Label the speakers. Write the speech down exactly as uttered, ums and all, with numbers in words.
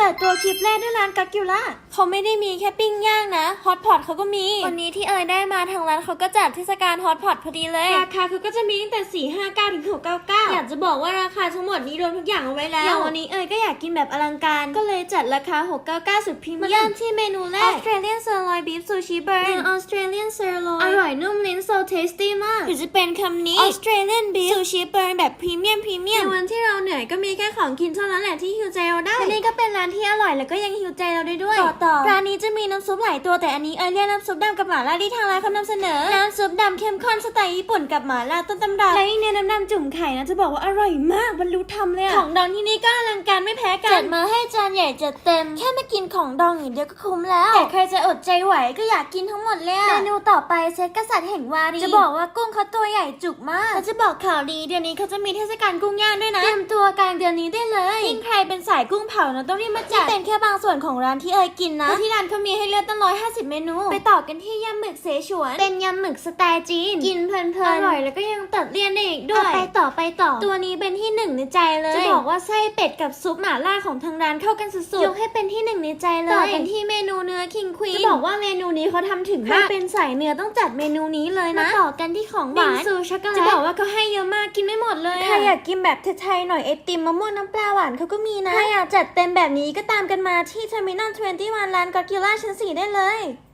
Speaker 1: ปิดตัวคลิปแรกด้วยร้านกักกิล่าเขาไม่ได้มีแค่ปิ้งย่างนะฮอตพอตเขาก็มีวันนี้ที่เอ๋ยได้มาทางร้านเขาก็จัดเทศกาลฮอตพอตพอดีเลยราคาคือก็จะมีตั้งแต่สี่ห้าเก้าถึงหกเก้าเก้าอยากจะบอกว่าราคาทั้งหมดนี้รวมทุกอย่างเอาไว้แล้วอย่างวันนี้เอ๋ยก็อยากกินแบบอลังการก็เลยจัดราคาหกเก้าเก้าสุดพรีเมียมเริ่มที่เมนูแรก Australian Sirloin Beef Sushi Burn เป็น Australian Sirloin อร่อยนุ่มลิ้น so tasty มากหรือจะเป็นคำนี้ Australian Beef Sushi Burn แบบพรีเมียมพรีเมียมในวันที่เราเหนื่อยก็มีแค่ของกินเท่านั้นแหละที่ฮิวใจเราได้และนี่ก็เป็นร้านที่อร่อยแล้วก็ยังฮิวใจเราได้ด้วยต่อต่อร้านนี้จะมีน้ำซุปหลายตัวแต่อันนี้เอ๋ยเรียกน้ำซุปดำกับหม่าล่าที่ทางร้านเขานำเสนอน้ำซุปดำเข้มข้นสไตล์ญี่ปุ่นกับหม่าล่าต้นตำรับและยิ่งเนื้อน้ำดำจุ่มไข่นะจะบอกว่าอร่อยมากบรรลุธรรมเลยของดองที่นี่ก็อลังการไม่แพ้กันจัดมาให้จานใหญ่จัดเต็มแค่มากินของดองอย่างเดียวก็คุ้มแล้วแต่ใครจะอดใจไหวก็อยากกินทั้งหมดเลยเมนูต่อไปเซตกษัตริย์แห่งวารีจะบอกว่ากุ้งเขาตัวใหญ่จุกมากและจะบอกข่าวดีเดือนนี้เขาจะมีเทศกาลกุ้งย่างด้วยนะเตรียมตัวกลางเดือนนี้ได้เลยยิ่งใครเป็นสายกุ้งเผานะต้องรีบมาจัดนี่เป็นแค่บางส่วนของร้านที่เอ๋ยกินนะที่ร้านเขามีให้เลือกตั้งร้อยห้าสิบเมนูไปต่อกันที่ยำหมึกเสฉวนเป็นยำหมึกสไตล์จีนกินเพลินๆอร่อยแล้วก็ยังตัดเลี่ยนได้อีกด้วยไปต่อไปต่อตัวนี้เป็นที่หนึ่งในใจเลยจะบอกว่าไส้เป็ดกับซุปหม่าล่าของทางร้านเข้ากันสุดๆยกให้เป็นที่หนึ่งในใจเลยต่อกันที่เมนูเนื้อคิงควีนจะบอกว่าเมนูนี้เขาทำถึงมากเป็นสายเนื้อต้องจัดเมนูนี้เลยนะมาต่อกันที่ของหวานบิงซูช็อกโกแลตจะบอกว่าเขาให้เยอะมากกินไม่หมดเลยใครอยากกินแบบไทยๆหน่อยไอติมมะม่วงน้ำปลาหวานเขาก็มีนะถ้าอยากจัดเต็มแบบนี้ก็ตามกันมาที่เทอร์มินอลยี่สิบเอ็ดร้านก็อดจิลล่าชั้นสี่ได้เลย